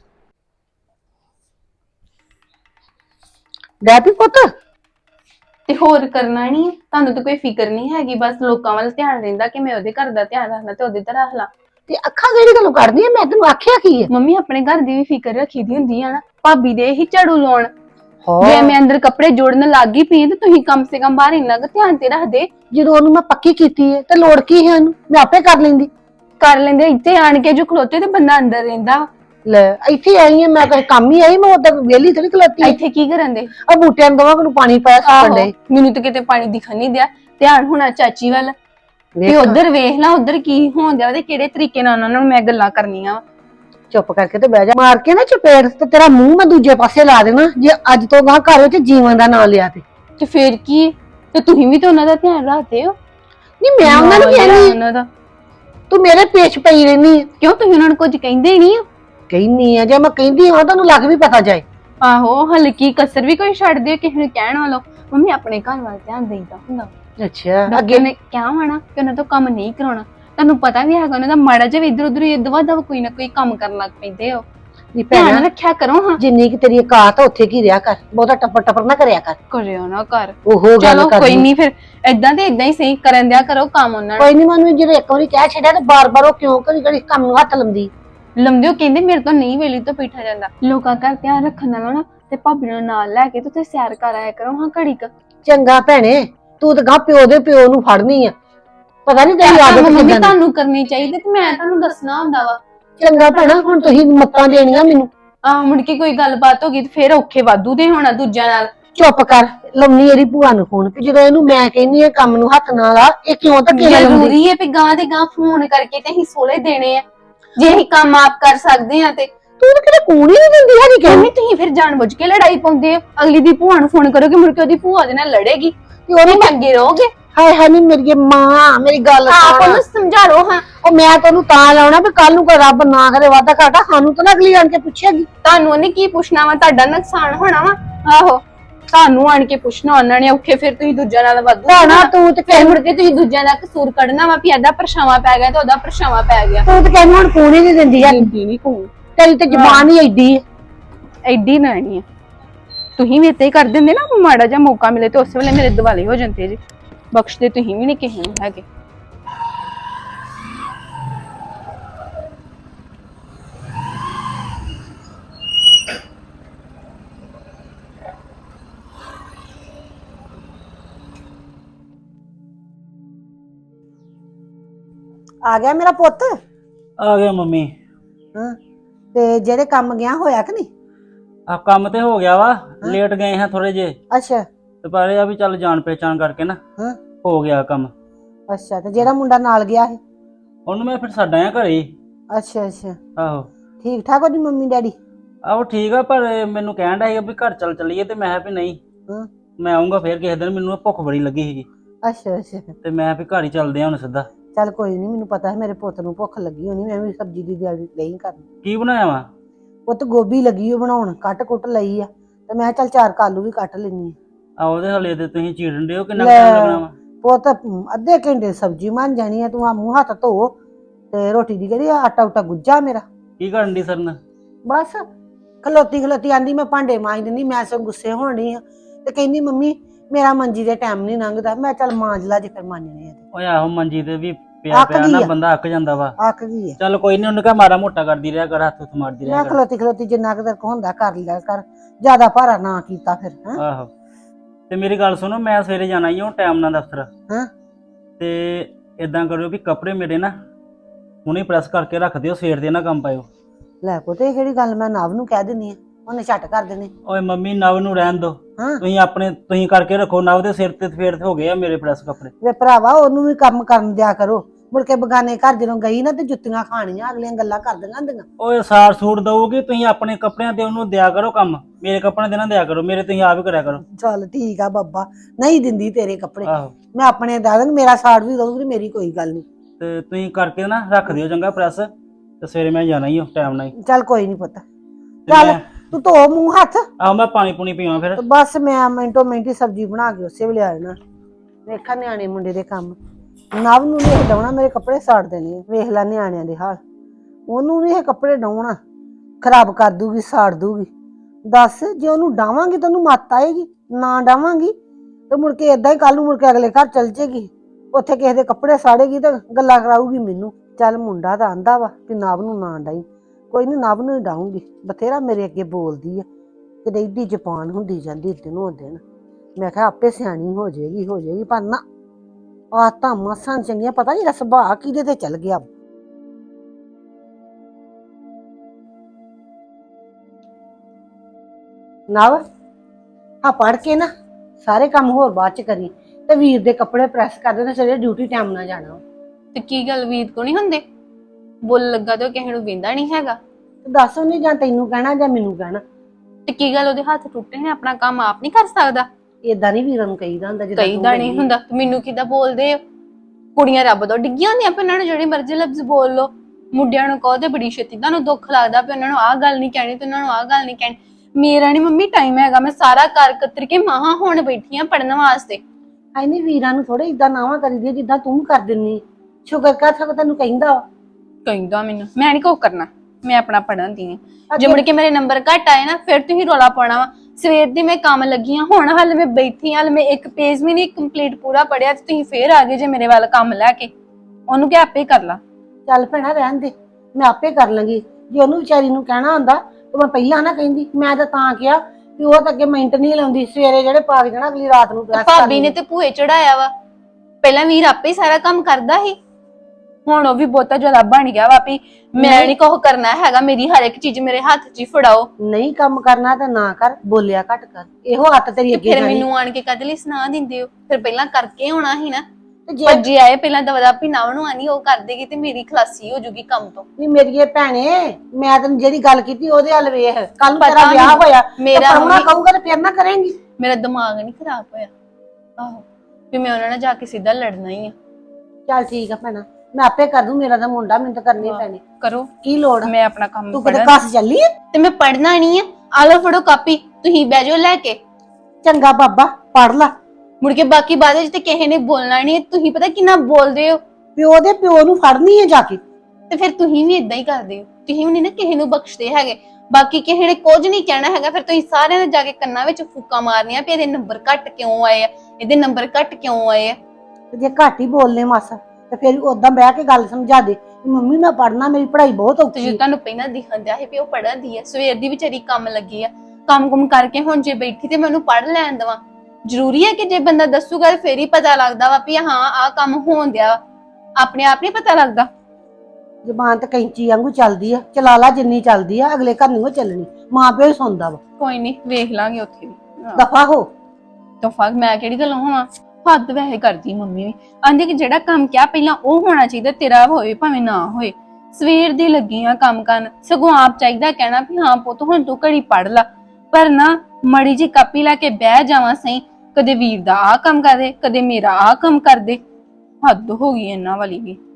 ਡੈਪੀ ਪੁੱਤ, ਤੇ ਹੋਰ ਕਰਨਾ ਨਹੀਂ ਹੈ ਤੁਹਾਨੂੰ, ਤਾਂ ਕੋਈ ਫਿਕਰ ਨਹੀਂ ਹੈਗੀ। ਬਸ ਲੋਕਾਂ ਵੱਲ ਧਿਆਨ ਰਹਿੰਦਾ ਕਿ ਮੈਂ ਉਹਦੇ ਘਰ ਦਾ ਧਿਆਨ ਰੱਖਣਾ ਤੇ ਉਹਦੇ ਤੇ ਰੱਖ ਲਾਂ। ਤੇ ਅੱਖਾਂ ਕਿਹੜੀ ਗੱਲੋਂ ਕਰਦੀ ਐ? ਮੈਂ ਤੈਨੂੰ ਆਖਿਆ ਕੀ ਹੈ? ਮੰਮੀ ਆਪਣੇ ਘਰ ਦੀ ਵੀ ਫਿਕਰ ਰੱਖੀ ਦੀ ਹੁੰਦੀ ਆ ਨਾ। ਭਾਬੀ ਦੇ ਹੀ ਝਾੜੂ ਲਾਉਣ, ਹਾਂ, ਜੇ ਮੈਂ ਅੰਦਰ ਕੱਪੜੇ ਜੋੜਨ ਲੱਗ ਗਈ ਪਈ ਤੇ ਤੁਸੀਂ ਕਮ ਸੇ ਕਮ ਬਾਹਰ ਇੰਨਾ ਕੁ ਧਿਆਨ ਤੇ ਰੱਖਦੇ। ਜਦੋਂ ਉਹਨੂੰ ਮੈਂ ਪੱਕੀ ਕੀਤੀ ਹੈ ਤੇ ਲੋੜ ਕੀ ਹੈ ਉਹਨੂੰ? ਮੈਂ ਆਪੇ ਕਰ ਲੈਂਦੀ। ਕਰ ਲੈਂਦੇ, ਇੱਥੇ ਆਣ ਕੇ ਜੋ ਖਲੋਤੇ ਤੇ ਬੰਦਾ ਅੰਦਰ ਰਹਿੰਦਾ। ਲੈ ਇੱਥੇ ਆਈ ਆ, ਮੈਂ ਕਿਸੇ ਕੰਮ ਹੀ ਆਈ, ਮੈਂ ਉਧਰ ਵਿਹਲੀ ਥੋੜੀ ਖਲੋਤੀ। ਇੱਥੇ ਕੀ ਕਰਨ ਦੇ? ਆ ਬੂਟਿਆਂ ਨੂੰ ਦਵਾ ਨੂੰ ਪਾਣੀ ਪਾਇਆ ਸੁੱਕਣ ਦੇ। ਮੈਨੂੰ ਤਾਂ ਕਿਤੇ ਪਾਣੀ ਦਿਖਣ ਨਹੀਂ ਦਿਆ। ਧਿਆਨ ਹੋਣਾ ਚਾਚੀ ਵੱਲ, ਤੇ ਵੇਖ, ਉਧਰ ਵੇਖ ਲਾ ਉਧਰ ਕੀ ਹੋਣ ਦਿਆ ਤੇ ਕਿਹੜੇ ਤਰੀਕੇ ਨਾਲ ਉਹਨਾਂ ਨਾਲ ਮੈਂ ਗੱਲਾਂ ਕਰਨੀਆਂ। ਚੁੱਪ ਕਰਕੇ ਤੇ ਬਹਿ ਜਾ। ਮਾਰ ਕੇ ਨਾ ਚਪੇੜ ਤੇ ਤੇਰਾ ਮੂੰਹ ਮੈਂ ਦੂਜੇ ਪਾਸੇ ਲਾ ਦੇਣਾ ਜੇ ਅੱਜ ਤੋਂ ਗਾਂ ਘਰ ਵਿੱਚ ਜੀਵਨ ਦਾ ਨਾਂ ਲਿਆ ਤੇ। ਤੇ ਫੇਰ ਕੀ, ਤੇ ਤੁਸੀਂ ਵੀ ਤਾਂ ਉਹਨਾਂ ਦਾ ਧਿਆਨ ਰੱਖਦੇ ਹੋ। ਨਹੀਂ ਮੈਂ ਉਹਨਾਂ ਨੂੰ ਕਹਿੰਦੀ, ਉਹਨਾਂ ਦਾ ਤੂੰ ਮੇਰੇ ਪੇਛ ਪਈ ਰਹਿਨੀ ਹੈ। ਕਿਉਂ, ਤੁਸੀਂ ਉਹਨਾਂ ਨੂੰ ਕੁਝ ਕਹਿੰਦੇ ਨਹੀਂ ਹੋ? ਕਹਿੰਦੀ ਆ, ਜੇ ਮੈਂ ਕਹਿੰਦੀ ਹਾਂ ਤੁਹਾਨੂੰ ਲੱਗ ਵੀ ਪਤਾ ਜਾਏ। ਆਹੋ, ਹਲਕੀ ਕਸਰ ਵੀ ਕੋਈ ਛੱਡ ਦਿਓ ਕਿਸੇ ਨੂੰ ਕਹਿਣ ਵਾਲੋ। ਮੰਮੀ ਆਪਣੇ ਘਰ ਵੱਲ ਧਿਆਨ ਦੇਈਦਾ ਹੁੰਦਾ। ਅੱਛਾ, ਅੱਗੇ ਅੱਗੇ ਨੇ ਕਿਹਾ ਹੋਣਾ ਕਿ ਉਹਨਾਂ ਤੋਂ ਕੰਮ ਨਹੀਂ ਕਰਾਉਣਾ। ਤੁਹਾਨੂੰ ਪਤਾ ਵੀ ਹੈਗਾ ਉਹਨਾਂ ਦਾ ਮਾੜਾ ਜਿਹਾ ਇੱਧਰ ਉੱਧਰ ਦਵਾ ਦਵਾ ਕੋਈ ਨਾ ਕੋਈ ਕੰਮ ਕਰਨ ਲੱਗ ਪੈਂਦੇ ਹੋ। ਨੀ ਧਿਆਨ ਭੈਣਾ, ਰੱਖਿਆ ਕਰੋ ਹਾਂ। ਜਿੰਨੀ ਕਿ ਤੇਰੀ ਔਕਾਤ ਆ ਉੱਥੇ ਕੀ ਰਿਹਾ ਕਰ, ਬਹੁਤਾ ਟੱਪਰ ਟੱਪਰ ਨਾ ਕਰਿਆ ਕਰ। ਕਰਿਓ ਨਾ ਕਰ। ਉਹ ਗੱਲ ਚਲੋ ਕਰਨੀ। ਕੋਈ ਨਹੀਂ, ਫਿਰ ਏਦਾਂ ਤੇ ਏਦਾਂ ਹੀ ਸਹੀ ਕਰਨ ਦਿਆ ਕਰੋ ਕੰਮ ਉਹਨਾਂ ਨੂੰ। ਕੋਈ ਨਹੀਂ, ਮੈਨੂੰ ਜਦੋਂ ਇੱਕ ਵਾਰੀ ਕਹਿ ਛੱਡਿਆ ਤੇ ਬਾਰ-ਬਾਰ ਉਹ ਕਿਉਂ ਕਰੀ ਕਰੀ ਕੰਮ ਨੂੰ ਹੱਥ ਲੰਦੀ। ਲੰਮਦੇ ਕਹਿੰਦੇ ਮੇਰੇ ਤੋਂ ਨਹੀਂ ਵੇਲੀ ਤੋਂ ਬੈਠਾ ਜਾਂਦਾ। ਲੋਕਾਂ ਘਰ ਧਿਆਨ ਰੱਖਣ ਨਾਲੋਂ ਨਾ ਤੇ ਭਾਬੀ ਨੂੰ ਨਾਲ ਲੈ ਕੇ ਤੇ ਉੱਥੇ ਸੈਰ ਕਰ ਆਇਆ ਕਰੋ ਹਾਂ ਘੜੀ ਕ। ਚੰਗਾ ਭੈਣੇ, ਤੂੰ ਤਾਂ ਗਾਂ ਪਿਓ ਦੇ ਪਿਓ ਨੂੰ ਫੜਨੀ ਆ। ਪਤਾ ਨਹੀਂ ਤੇਰੀ ਆਦਤ ਮੰਮੀ ਕਿੱਦਾਂ ਦੀ। ਤੁਹਾਨੂੰ ਕਰਨੀ ਚਾਹੀਦੀ ਤੇ ਮੈਂ ਤੁਹਾਨੂੰ ਦੱਸਣਾ ਹੁੰਦਾ ਵਾ। ਚੰਗਾ ਭੈਣਾ, ਹੁਣ ਤੁਸੀਂ ਮੱਤਾਂ ਦੇਣੀਆਂ ਮੈਨੂੰ। ਆਹ ਮੁੜ ਕੇ ਕੋਈ ਗੱਲਬਾਤ ਹੋ ਗਈ ਤੇ ਫੇਰ ਔਖੇ ਵਾਧੂ ਦੇ ਹੋਣਾ ਦੂਜਿਆਂ ਨਾਲ। ਚੁੱਪ ਕਰ, ਲੰਮੀ ਇਹਦੀ ਭੂਆ ਨੂੰ ਫੋਨ ਵੀ ਜਦੋਂ ਇਹਨੂੰ ਮੈਂ ਕਹਿੰਨੀ ਆ ਕੰਮ ਨੂੰ ਹੱਥ ਨਾ ਲਾ, ਇਹ ਕਿਉਂ ਧੱਕੇ ਨਾਲ ਲਾਉਂਦੀ। ਜ਼ਰੂਰੀ ਹੈ ਵੀ ਗਾਂ ਦੇ ਗਾਂ ਫੋਨ ਕਰਕੇ ਤੇ ਅਸੀਂ ਸੋਲੇ ਦੇਣੇ ਆ, ਜੇ ਅਸੀਂ ਕੰਮ ਆਪ ਕਰ ਸਕਦੇ ਆ ਤੇ। ਤੂੰ ਤਾਂ ਕਿਤੇ ਕੂਣ ਹੀ ਨਹੀਂ ਦਿੰਦੀ ਹੈਗੀ ਕਿਉਂ? ਮੰਮੀ ਤੁਸੀਂ ਫਿਰ ਜਾਣਬੁੱਝ ਕੇ ਲੜਾਈ ਪਾਉਂਦੇ ਹੋ। ਅਗਲੀ ਦੀ ਭੂਆ ਨੂੰ ਫੋਨ ਕਰੋਗੇ ਮੁੜ ਕੇ ਉਹਦੀ ਭੂਆ ਦੇ ਨਾਲ ਲੜੇਗੀ ਤੇ ਉਹਨੂੰ ਉਹਨੂੰ ਚੰਗੇ ਰਹੋਗੇ। ਹਾਏ ਹਾਏ ਨੀ ਮੇਰੀ ਮਾਂ, ਮੇਰੀ ਗੱਲ ਆਪ ਸੁਣ। ਉਹਨੂੰ ਸਮਝਾ ਲਓ ਹਾਂ। ਉਹ ਮੈਂ ਤੈਨੂੰ ਤਾਂ ਲਾਉਣਾ ਵੀ ਕੱਲ ਨੂੰ ਕੋਈ ਰੱਬ ਨਾ ਕਰੇ ਵਾਧਾ ਘਾਟਾ, ਸਾਨੂੰ ਤਾਂ ਨਾ ਅਗਲੀ ਆਣ ਕੇ ਪੁੱਛੇਗੀ। ਤੁਹਾਨੂੰ ਉਹਨੇ ਕੀ ਪੁੱਛਣਾ ਵਾ, ਤੁਹਾਡਾ ਨੁਕਸਾਨ ਹੋਣਾ ਵਾ। ਆਹੋ, ਤੁਹਾਨੂੰ ਆਣ ਕੇ ਪੁੱਛਣਾ ਉਹਨਾਂ ਨੇ ਔਖੇ, ਫਿਰ ਤੁਸੀਂ ਦੂਜਿਆਂ ਨਾਲ ਵਾਧੂ ਭੈਣਾ ਤੂੰ ਤੇ ਫਿਰ ਕਹਿ ਮੁੜ ਕੇ ਤੁਸੀਂ ਦੂਜਿਆਂ ਦਾ ਕਸੂਰ ਕੱਢਣਾ ਵਾ ਵੀ ਇਹਦਾ ਪਰਛਾਵਾਂ ਪੈ ਗਿਆ ਤੇ ਉਹਦਾ ਪਰਛਾਵਾਂ ਪੈ ਗਿਆ। ਤੂੰ ਤੇ ਕਹਿੰਦੀ ਹੁਣ ਕੂਣ ਹੀ ਨਹੀਂ ਦਿੰਦੀ ਹੈ। ਨਹੀਂ ਕਹੂੰ ਤੇਰੀ ਤੇ ਜ਼ਬਾਨ ਹੀ ਐਡੀ ਹੈ। ਐਡੀ ਨਾ ਨਹੀਂ ਹੈ। ਤੁਸੀਂ ਵੀ ਏਦਾਂ ਹੀ ਕਰ ਦਿੰਦੇ ਨਾ, ਮਾੜਾ ਜਿਹਾ ਮੌਕਾ ਮਿਲੇ ਤੇ ਉਸ ਵੇਲੇ ਮੇਰੇ ਦਿਵਾਲੇ ਹੋ ਜਾਂਦੇ ਜੀ। ਬਖਸ਼ਦੇ ਤੁਸੀਂ ਵੀ ਨਹੀਂ ਕਿਸੇ ਨੂੰ ਹੈਗੇ। ਆ ਗਿਆ ਮੇਰਾ ਪੁੱਤ? ਆ ਗਿਆ ਮੰਮੀ। ਹਾਂ, ਤੇ ਜਿਹੜੇ ਕੰਮ ਗਿਆ ਹੋਇਆ ਕਿ ਨਹੀਂ? ਆ ਕੰਮ ਤੇ ਹੋ ਗਿਆ ਵਾ, ਲੇਟ ਗਏ ਹਾਂ ਥੋੜੇ ਜੇ, ਅੱਛਾ ਤੇ ਪਰ ਇਹ ਆ ਵੀ ਚੱਲ ਜਾਣ ਪਹਿਚਾਣ ਕਰਕੇ ਨਾ ਹਾਂ ਹੋ ਗਿਆ ਕੰਮ। ਅੱਛਾ ਤੇ ਜਿਹੜਾ ਮੁੰਡਾ ਨਾਲ ਗਿਆ ਸੀ? ਉਹਨੂੰ ਮੈਂ ਫਿਰ ਛੱਡ ਆਇਆ ਘਰੇ ਹੀ। ਅੱਛਾ ਅੱਛਾ ਆਹੋ ਠੀਕ ਠਾਕ ਉਹਦੀ ਮੰਮੀ ਡੈਡੀ? ਆਹੋ ਠੀਕ ਆ, ਪਰ ਇਹ ਮੈਨੂੰ ਕਹਿਣ ਡਿਆ ਸੀਗਾ ਵੀ ਘਰ ਚੱਲ ਚੱਲੀਏ, ਤੇ ਮੈਂ ਕਿਹਾ ਵੀ ਨਹੀਂ, ਹਾਂ ਮੈਂ ਆਉਂਗਾ ਫੇਰ ਕਿਸੇ ਦਿਨ, ਮੈਨੂੰ ਭੁੱਖ ਬੜੀ ਲੱਗੀ ਸੀਗੀ, ਅੱਛਾ ਅੱਛਾ ਤੇ ਮੈਂ ਵੀ ਘਰ ਹੀ ਚੱਲਦੇ ਆ ਹੁਣ ਸਿੱਧਾ। ਚੱਲ ਕੋਈ ਨਹੀਂ, ਮੈਨੂੰ ਪਤਾ ਹੈ ਮੇਰੇ ਪੁੱਤ ਨੂੰ ਭੁੱਖ ਲੱਗੀ ਹੋਣੀ, ਮੈਂ ਵੀ ਸਬਜ਼ੀ ਦੀ ਦਿਹਾੜੀ ਨਹੀਂ ਕਰਨੀ। ਕੀ ਬਣਾਇਆ ਵਾ? ਪੁੱਤ ਗੋਭੀ ਲੱਗੀ ਉਹ ਬਣਾਉਣ, ਕੱਟ ਕੁੱਟ ਲਈ ਆ, ਤੇ ਮੈਂ ਕਿਹਾ ਚੱਲ ਚਾਰ ਕਾਲੂ ਵੀ ਕੱਟ ਲੈਣੀ ਆ ਉਹਦੇ ਹਲੇ ਤੇ ਤੁਸੀਂ ਚੀਰਨ ਦੇ ਹੋ, ਕਿੰਨਾ ਲੈ। ਟਾਈਮ ਲੱਗਣਾ ਵਾ? ਪੁੱਤ ਅੱਧੇ ਘੰਟੇ ਦੀ ਸਬਜ਼ੀ ਬਣ ਜਾਣੀ ਆ, ਤੂੰ ਆ ਮੂੰਹ ਹੱਥ ਧੋ ਤੇ ਰੋਟੀ ਦੀ ਕਿਹੜੀ ਆਟਾ ਉਟਾ ਗੁੱਜਾ ਮੇਰਾ। ਕੀ ਕਰਨ ਦੀ ਸਰਨ? ਬਸ ਖਲੋਤੀ ਖਲੋਤੀ ਆਂਦੀ ਮੈਂ ਭਾਂਡੇ ਮਾਂਜ ਦਿੰਦੀ, ਮੈਂ ਸੋ ਗੁੱਸੇ ਹੋਣੀ ਆ, ਤੇ ਕਹਿੰਦੀ ਮੰਮੀ ਮੇਰਾ ਮੰਜੀ ਦੇ ਟਾਈਮ ਨਹੀਂ ਲੰਘਦਾ। ਮੈਂ ਚੱਲ ਮਾਂਜ ਲਾ ਜੇ ਫਿਰ ਮਾਂਜਣੇ ਆ ਤੇ। ਓਏ ਆਹੋ ਮੰਜੀ ਤੇ ਵੀ ਪਿਆ ਅੱਕ ਪਿਆ ਗਈ ਨਾ ਆ। ਬੰਦਾ ਅੱਕ ਜਾਂਦਾ ਵਾ। ਅੱਕ ਗਈ ਆ। ਚੱਲ ਕੋਈ ਨਹੀਂ, ਉਹਨੂੰ ਕਹ ਮਾਰਾ ਮੋਟਾ ਕਰਦੀ ਰਿਹਾ ਕਰ, ਹੱਥ ਹੁੱਥ ਮਾਰਦੀ ਰਿਹਾ ਮੈਂ ਕਰ। ਖਲੋਤੀ ਖਲੋਤੀ ਜਿੰਨਾ ਕੁ ਤੇਰੇ ਕੋ ਹੁੰਦਾ ਕਰ ਲਿਆ ਕਰ, ਜ਼ਿਆਦਾ ਭਾਰਾ ਨਾ ਕੀਤਾ ਫਿਰ ਹੈਂ। ਆਹੋ ਤੇ ਮੇਰੀ ਗੱਲ ਸੁਣੋ, ਮੈਂ ਸਵੇਰੇ ਜਾਣਾ ਹੀ ਹਾਂ ਟਾਈਮ ਨਾਲ ਦਫ਼ਤਰ। ਹਾਂ ਤੇ ਇਦਾਂ ਕਰਿਓ ਵੀ ਕੱਪੜੇ ਮੇਰੇ ਨਾ ਹੁਣੇ ਪ੍ਰੈਸ ਕਰਕੇ ਰੱਖ ਦਿਓ, ਸਵੇਰ ਦੇ ਨਾ ਕੰਮ ਪਾਇਓ। ਲੈ ਪੁੱਤ ਇਹ ਕਿਹੜੀ ਗੱਲ, ਮੈਂ ਨਵ ਨੂੰ ਕਹਿ ਦਿੰਨੀ ਆ, ਉਹਨੇ ਛੱਟ ਕਰ ਦੇਣੇ। ਓਏ ਮੰਮੀ ਨਵ ਨੂੰ ਰਹਿਣ ਦੋ, ਹਾਂ ਤੁਸੀਂ ਆਪਣੇ ਤੁਸੀਂ ਕਰਕੇ ਰੱਖੋ, ਨਵ ਦੇ ਸਿਰ ਤੇ ਫੇਰ ਤੇ ਹੋ ਗਏ ਆ ਮੇਰੇ ਪ੍ਰੈਸ ਕੱਪੜੇ। ਵੇ ਭਰਾਵਾ ਉਹਨੂੰ ਵੀ ਕੰਮ ਕਰਨ ਦਿਆ ਕਰੋ, ਮੁੜ ਕੇ ਬਗਾਨੇ ਘਰ ਜਦੋਂ ਗਈ ਨਾ ਤੇ ਜੁੱਤੀਆਂ ਖਾਣੀਆਂ, ਅਗਲੀਆਂ ਗੱਲਾਂ ਕਰਦੀਆਂ ਹੁੰਦੀਆਂ। ਓਏ ਸਾਰ ਸੂਟ ਦਊਗੀ, ਤੁਸੀਂ ਆਪਣੇ ਕੱਪੜਿਆਂ ਤੇ ਉਹਨੂੰ ਦਿਆ ਕਰੋ ਕੰਮ, ਮੇਰੇ ਕੱਪੜਿਆਂ ਤੇ ਨਾ ਦਿਆ ਕਰੋ, ਮੇਰੇ ਤੁਸੀਂ ਆਪ ਹੀ ਕਰਿਆ ਕਰੋ। ਚੱਲ ਠੀਕ ਆ ਬਾਬਾ, ਨਹੀਂ ਦਿੰਦੀ ਤੇਰੇ ਕੱਪੜੇ, ਆਹੋ ਮੈਂ ਆਪਣੇ ਦਾ ਦਾਂ, ਮੇਰਾ ਸਾੜ ਵੀ ਦਊਗੀ, ਮੇਰੀ ਕੋਈ ਗੱਲ ਨਹੀਂ। ਤੇ ਤੁਸੀਂ ਕਰਕੇ ਨਾ ਰੱਖ ਦਿਓ ਚੰਗਾ ਪ੍ਰੈਸ, ਤੇ ਸਵੇਰੇ ਮੈਂ ਜਾਣਾ ਹੀ ਹਾਂ ਟਾਈਮ ਨਾਲ ਹੀ। ਚੱਲ ਕੋਈ ਨਹੀਂ ਪੁੱਤ, ਤੇ ਚੱਲ ਮੈਂ ਤੂੰ ਧੋ ਮੂੰਹ ਹੱਥ, ਆਹੋ ਮੈਂ ਪਾਣੀ ਪੂਣੀ ਪੀਵਾਂ ਫਿਰ। ਤੇ ਬਸ ਮੈਂ ਮਿੰਟੋ ਮਿੰਟੀ ਸਬਜ਼ੀ ਬਣਾ ਕੇ ਉਸੇ ਵੇਲੇ ਆ ਜਾਣਾ। ਵੇਖਾ ਨਿਆਣੇ ਮੁੰਡੇ ਦੇ ਕੰਮ, ਨਵ ਨੂੰ ਨਹੀਂ ਡਾਉਣਾ, ਮੇਰੇ ਕੱਪੜੇ ਸਾੜ ਦੇਣੇ ਆ। ਵੇਖ ਲੈ ਨਿਆਣਿਆਂ ਦੇ ਹਾਲ, ਉਹਨੂੰ ਨਹੀਂ ਇਹ ਕੱਪੜੇ ਡਾਉਣਾ, ਖਰਾਬ ਕਰ ਦੂਗੀ, ਸਾੜ ਦੂਗੀ। ਦੱਸ ਜੇ ਉਹਨੂੰ ਡਾਵਾਂਗੀ ਤਾਂ ਉਹਨੂੰ ਮੱਤ ਆਏਗੀ, ਨਾ ਡਾਵਾਂਗੀ ਤੇ ਮੁੜ ਕੇ ਏਦਾਂ ਹੀ ਕੱਲ ਨੂੰ ਮੁੜ ਕੇ ਅਗਲੇ ਘਰ ਚਲ ਜੇਗੀ, ਉੱਥੇ ਕਿਸੇ ਦੇ ਕੱਪੜੇ ਸਾੜੇਗੀ ਤੇ ਗੱਲਾਂ ਕਰਾਊਗੀ ਮੈਨੂੰ। ਚੱਲ ਮੁੰਡਾ ਤਾਂ ਆਂਦਾ ਵਾ ਕਿ ਨਵ ਨੂੰ ਨਾ ਡਾਈ, ਕੋਈ ਨੀ ਨਵ ਨੂੰ ਹੀ ਡਾਊਂਗੀ, ਬਥੇਰਾ ਮੇਰੇ ਅੱਗੇ ਬੋਲਦੀ ਆ, ਕਿਤੇ ਏਡੀ ਜ਼ਬਾਨ ਹੁੰਦੀ ਜਾਂਦੀ ਦਿਨੋਂ ਦਿਨ। ਮੈਂ ਕਿਹਾ ਆਪੇ ਸਿਆਣੀ ਹੋ ਜਾਏਗੀ ਹੋ ਜਾਏਗੀ, ਪਰ ਨਾ ਆਦਤਾਂ ਮਾਸਾਂ ਚੰਗੀਆਂ, ਪਤਾ ਨਹੀਂ ਸੁਭਾਅ ਕਿਹਦੇ ਤੇ ਚੱਲ ਗਿਆ। ਨਵ ਆ ਪੜ ਕੇ ਨਾ ਸਾਰੇ ਕੰਮ ਹੋਰ ਬਾਅਦ ਚ ਕਰੀ, ਤੇ ਵੀਰ ਦੇ ਕੱਪੜੇ ਪ੍ਰੈਸ ਕਰ ਦੇ, ਤੇ ਸਵੇਰੇ ਡਿਊਟੀ ਟਾਈਮ ਨਾਲ ਜਾਣਾ। ਤੇ ਕੀ ਗੱਲ ਵੀਰ ਕੋ ਨਹੀਂ ਹੁੰਦੇ? ਬੋਲ ਲੱਗਾ ਤੇ ਉਹ ਕਿਸੇ ਨੂੰ ਵਿੰਦਾ ਨਹੀਂ ਹੈਗਾ। ਤੇ ਦੱਸ ਉਹਨੇ ਜਾਂ ਤੈਨੂੰ ਕਹਿਣਾ ਜਾਂ ਮੈਨੂੰ ਕਹਿਣਾ। ਤੇ ਕੀ ਗੱਲ ਉਹਦੇ ਹੱਥ ਟੁੱਟੇ ਨੇ, ਆਪਣਾ ਕੰਮ ਆਪ ਨਹੀਂ ਕਰ ਸਕਦਾ? ਏਦਾਂ ਨਹੀਂ ਵੀਰਾਂ ਨੂੰ ਕਹੀਦਾ ਹੁੰਦਾ ਜਿੱਦਾਂ ਤੂੰ ਕਈਦਾ ਨਹੀਂ ਕਹਿੰਦੀ। ਹੁੰਦਾ। ਮੈਨੂੰ ਕਿੱਦਾਂ ਬੋਲਦੇ ਹੋ? ਕੁੜੀਆਂ ਰੱਬ ਤੋਂ ਡਿੱਗੀਆਂ ਹੁੰਦੀਆਂ, ਪਰ ਉਹਨਾਂ ਨੂੰ ਜਿਹੜੀ ਮਰਜ਼ੀ ਲਫ਼ਜ਼ ਬੋਲ ਲੋ। ਮੁੰਡਿਆਂ ਨੂੰ ਕਹੋ ਤੇ ਬੜੀ ਛੇਤੀ ਤੁਹਾਨੂੰ ਦੁੱਖ ਲੱਗਦਾ ਵੀ ਉਹਨਾਂ ਨੂੰ ਆਹ ਗੱਲ ਨਹੀਂ ਕਹਿਣੀ ਤੇ ਉਹਨਾਂ ਨੂੰ ਆਹ ਗੱਲ ਨਹੀਂ ਕਹਿਣੀ। ਮੇਰਾ ਨਹੀਂ ਮੰਮੀ ਟਾਈਮ ਹੈਗਾ, ਮੈਂ ਸਾਰਾ ਕਰ ਕਤਰ ਕੇ ਮਾਹਾਂ ਹੁਣ ਬੈਠੀ ਆ ਪੜਨ ਵਾਸਤੇ। ਐ ਨਹੀਂ ਵੀਰਾਂ ਨੂੰ ਥੋੜੇ ਇਦਾਂ ਨਾਵਾਂ ਕਰੀਦੀ ਜਿੱਦਾਂ ਤੂੰ ਕਰ ਦਿੰਨੀ, ਸ਼ੁਕਰ ਕਰ ਸਕ ਤੈਨੂੰ ਕਹਿੰਦਾ ਵਾ। ਕਹਿੰਦਾ ਮੈਨੂੰ, ਮੈਂ ਨਹੀਂ ਕੋ ਕਰਨਾ, ਮੈਂ ਆਪਣਾ ਪੜਨ ਦੀ ਆ। ਜੇ ਮੁੜ ਕੇ ਮੇਰੇ ਨੰਬਰ ਘੱਟ ਆਏ ਨਾ ਫਿਰ ਤੁਸੀਂ ਰੌਲਾ ਪਾਉਣਾ ਵਾ। ਸਵੇਰ ਦੀ ਮੈਂ ਕੰਮ ਲੱਗੀ ਆ, ਹੁਣ ਹਾਲੇ ਮੈਂ ਬੈਠੀ ਆ, ਮੈਂ ਇੱਕ ਪੇਜ ਵੀ ਨਹੀਂ ਕੰਪਲੀਟ ਪੂਰਾ ਪੜਿਆ ਤੇ ਤੁਸੀਂ ਫੇਰ ਆ ਗਏ ਜੇ ਮੇਰੇ ਵੱਲ ਕੰਮ ਲੈ ਕੇ। ਉਹਨੂੰ ਕਿ ਆਪੇ ਕਰ ਲਾ। ਚੱਲ ਭੈਣਾ ਰਹਿਣ ਦੇ, ਮੈਂ ਆਪੇ ਕਰ ਲਾਂਗੀ। ਜੇ ਉਹਨੂੰ ਵਿਚਾਰੀ ਨੂੰ ਕਹਿਣਾ ਹੁੰਦਾ ਤਾਂ ਮੈਂ ਪਹਿਲਾਂ ਨਾ ਕਹਿੰਦੀ। ਮੈਂ ਤਾਂ ਤਾਂ ਕਿਹਾ ਵੀ ਉਹ ਤਾਂ ਅੱਗੇ ਮਿੰਟ ਨਹੀਂ ਲਾਉਂਦੀ, ਸਵੇਰੇ ਜਿਹੜੇ ਪਾ ਕੇ ਜਾਣਾ ਅਗਲੀ ਰਾਤ ਨੂੰ ਪ੍ਰੈਸ ਕਰ ਭਾਬੀ ਨੇ ਤੇ ਭੂਏ ਚੜਾਇਆ ਵਾ। ਪਹਿਲਾਂ ਵੀਰ ਆਪੇ ਹੀ ਸਾਰਾ ਕੰਮ ਕਰਦਾ ਸੀ, ਹੁਣ ਉਹ ਵੀ ਬਹੁਤਾ ਜ਼ਿਆਦਾ ਬਣ ਗਿਆ ਵਾ ਵੀ ਮੈਂ ਨਹੀਂ ਕੁਝ ਕਰਨਾ ਹੈਗਾ, ਮੇਰੀ ਹਰ ਇੱਕ ਚੀਜ਼ ਮੇਰੇ ਹੱਥ 'ਚ ਹੀ ਫੜਾਓ। ਨਹੀਂ ਕੰਮ ਕਰਨਾ ਤਾਂ ਨਾ ਕਰ, ਬੋਲਿਆ ਘੱਟ ਕਰ, ਇਹੋ ਹੱਥ ਤੇਰੀ ਅੱਗੇ ਫਿਰ ਜਾਣੀ। ਮੈਨੂੰ ਆਣ ਕੇ ਕਦੇ ਲਈ ਸੁਣਾ ਦਿੰਦੇ ਹੋ? ਫਿਰ ਪਹਿਲਾਂ ਕਰਕੇ ਆਉਣਾ ਸੀ ਨਾ। ਤੇ ਜੇ ਭੱਜੇ ਆਏ ਪਹਿਲਾਂ ਦਵਦਾ ਵੀ ਨਾ ਉਹਨੂੰ ਆਣੀ ਉਹ ਕਰ ਦੇਗੀ ਤੇ ਮੇਰੀ ਖਲਾਸੀ ਹੋ ਜੂਗੀ ਕੰਮ ਤੋਂ। ਨਹੀਂ ਮੇਰੀਏ ਭੈਣੇ, ਮੈਂ ਤੈਨੂੰ ਜਿਹੜੀ ਗੱਲ ਕੀਤੀ ਉਹਦੇ ਹੱਲ ਵੇਖ, ਕੱਲ ਨੂੰ ਤੇਰਾ ਪਤਾ ਵਿਆਹ ਮੈਨੂੰ, ਹੋਇਆ ਮੇਰਾ ਮੇਰਾ ਮੰਮੀ- ਕਹੂਗਾ ਤੇ ਫਿਰ ਨਾ ਕਰੇਂਗੀ। ਮੇਰਾ ਦਿਮਾਗ ਨਹੀਂ ਖਰਾਬ ਹੋਇਆ। ਆਹੋ ਵੀ ਮੈਂ ਉਹਨਾਂ ਨਾਲ ਜਾ ਕੇ ਸਿੱਧਾ ਲੜਨਾ ਹੀ ਆ। ਚੱਲ ਠੀਕ ਆ ਭੈਣਾ, ਮੈਂ ਆਪੇ ਕਰ ਦੂੰ, ਮੇਰਾ ਤਾਂ ਮੁੰਡਾ, ਮੈਨੂੰ ਤਾਂ ਕਰਨੀ ਪੈਣੀ। ਕਰੋ, ਕੀ ਲੋੜ ਆ? ਮੈਂ ਆਪਣਾ ਕੰਮ ਤੂੰ ਕਿਤੇ ਪੜ੍ਹਨ ਕੱਸ ਚੱਲੀ ਏ? ਤੇ ਮੈਂ ਪੜ੍ਹਨਾ ਨਹੀਂ ਆ। ਆ ਲਓ ਫੜੋ ਕਾਪੀ, ਤੁਸੀਂ ਬਹਿ ਜਾਓ ਲੈ ਕੇ। ਚੰਗਾ ਬਾਬਾ ਪੜ ਲਾ। ਮੁੜ ਕੇ ਬਾਕੀ ਬਾਅਦ ਵਿੱਚ ਤੇ ਕਿਸੇ ਨੇ ਬੋਲਣਾ ਨਹੀਂ। ਤੁਸੀਂ ਪਤਾ ਕਿੰਨਾ ਬੋਲਦੇ ਹੋ। ਪਿਓ ਦੇ ਪਿਓ ਨੂੰ ਫੜਨੀ ਹੈ ਜਾ ਕੇ। ਤੇ ਫਿਰ ਤੁਸੀਂ ਵੀ ਇਦਾਂ ਹੀ ਕਰਦੇ ਹੋ। ਤੁਸੀਂ ਵੀ ਨਹੀਂ ਨਾ ਕਿਸੇ ਨੂੰ ਬਖਸ਼ਦੇ ਹੈਗੇ। ਬਾਕੀ ਕਿਸੇ ਨੇ ਕੁਝ ਨਹੀਂ ਕਹਿਣਾ ਹੈਗਾ, ਫਿਰ ਤੁਸੀਂ ਸਾਰਿਆਂ ਨੇ ਜਾ ਕੇ ਕੰਨਾਂ ਵਿੱਚ ਫੂਕਾਂ ਮਾਰਨੀਆਂ ਵੀ ਇਹਦੇ ਨੰਬਰ ਘੱਟ ਕਿਉਂ ਆਏ ਆ, ਇਹਦੇ ਨੰਬਰ ਘੱਟ ਕਿਉਂ ਆਏ ਆ। ਤੇ ਜੇ ਘੱਟ ਹੀ ਬੋਲਨੇ ਮਾਸਾ ਤੇ ਫਿਰ ਉਦਾਂ ਬਹਿ ਕੇ ਗੱਲ ਸਮਝਾ ਦੇ, ਮੰਮੀ ਮੈਂ ਪੜਨਾ, ਮੇਰੀ ਪੜ੍ਹਾਈ ਬਹੁਤ ਤੇ ਔਖੀ ਜੇ ਹੈ। ਤੁਹਾਨੂੰ ਪਹਿਲਾਂ ਦਿਖਣ ਦਿਆ ਹੈ ਵੀ ਉਹ ਪੜ੍ਹਨ ਦੀ ਹੈ, ਸਵੇਰ ਦੀ ਵਿਚਾਰੀ ਕੰਮ ਲੱਗੀ ਆ, ਕੰਮ ਕੁਮ ਕਰਕੇ ਹੁਣ ਜੇ ਬੈਠੀ ਤੇ ਮੈਂ ਉਹਨੂੰ ਪੜ੍ਹ ਲੈਣ ਦੇਵਾਂ। ਜ਼ਰੂਰੀ ਹੈ ਕਿ ਜੇ ਬੰਦਾ ਦੱਸੂਗਾ ਫੇਰ ਹੀ ਪਤਾ ਲੱਗਦਾ ਵਾ ਵੀ ਹਾਂ ਆਹ ਕੰਮ ਹੋਣ ਦਿਆ, ਆਪਣੇ ਆਪ ਨਹੀਂ ਪਤਾ ਲੱਗਦਾ। ਜ਼ਬਾਨ ਤੇ ਕੈਂਚੀ ਵਾਂਗੂ ਚੱਲਦੀ ਆ, ਚਲਾ ਲਾ ਜਿੰਨੀ ਚੱਲਦੀ ਆ, ਅਗਲੇ ਘਰ ਨਹੀਂ ਉਹ ਚੱਲਣੀ। ਮਾਂ ਪਿਓ ਹੀ ਸੁਣਦਾ ਵਾ। ਕੋਈ ਨਹੀਂ ਵੇਖ ਲਾਂਗੇ ਉੱਥੇ ਵੀ। ਦਫਾ ਹੋ। ਤੋਫਾ ਮੈਂ ਕਿਹੜੀ ਗੱਲੋਂ ਹੋਵਾਂ? ਹੱਦ ਵੈਸੇ ਕਰਦੀ ਮੰਮੀ ਵੀ। ਆਂਦੇ ਕਿ ਜਿਹੜਾ ਕੰਮ ਕਿਹਾ ਪਹਿਲਾਂ ਉਹ ਹੋਣਾ ਚਾਹੀਦਾ, ਤੇਰਾ ਹੋਏ ਭਾਵੇਂ ਨਾ ਹੋਏ। ਸਵੇਰ ਦੀ ਲੱਗੀ ਆ ਕੰਮ ਕਰਨ, ਸਗੋਂ ਆਪ ਚਾਹੀਦਾ ਕਹਿਣਾ ਵੀ ਹਾਂ ਪੁੱਤ ਹੁਣ ਤੂੰ ਘੜੀ ਪੜ ਲਾ, ਪਰ ਨਾ ਮੜੀ ਜੀ ਕਾਪੀ ਲਾ ਕੇ ਬਹਿ ਜਾਵਾਂ ਸਹੀ, ਕਦੇ ਵੀਰ ਦਾ ਆਹ ਕੰਮ ਕਰ ਦੇ, ਕਦੇ ਮੇਰਾ ਆਹ ਕੰਮ ਕਰ ਦੇ। ਹੱਦ ਹੋ ਗਈ ਇਹਨਾਂ ਵਾਲੀ ਵੀ।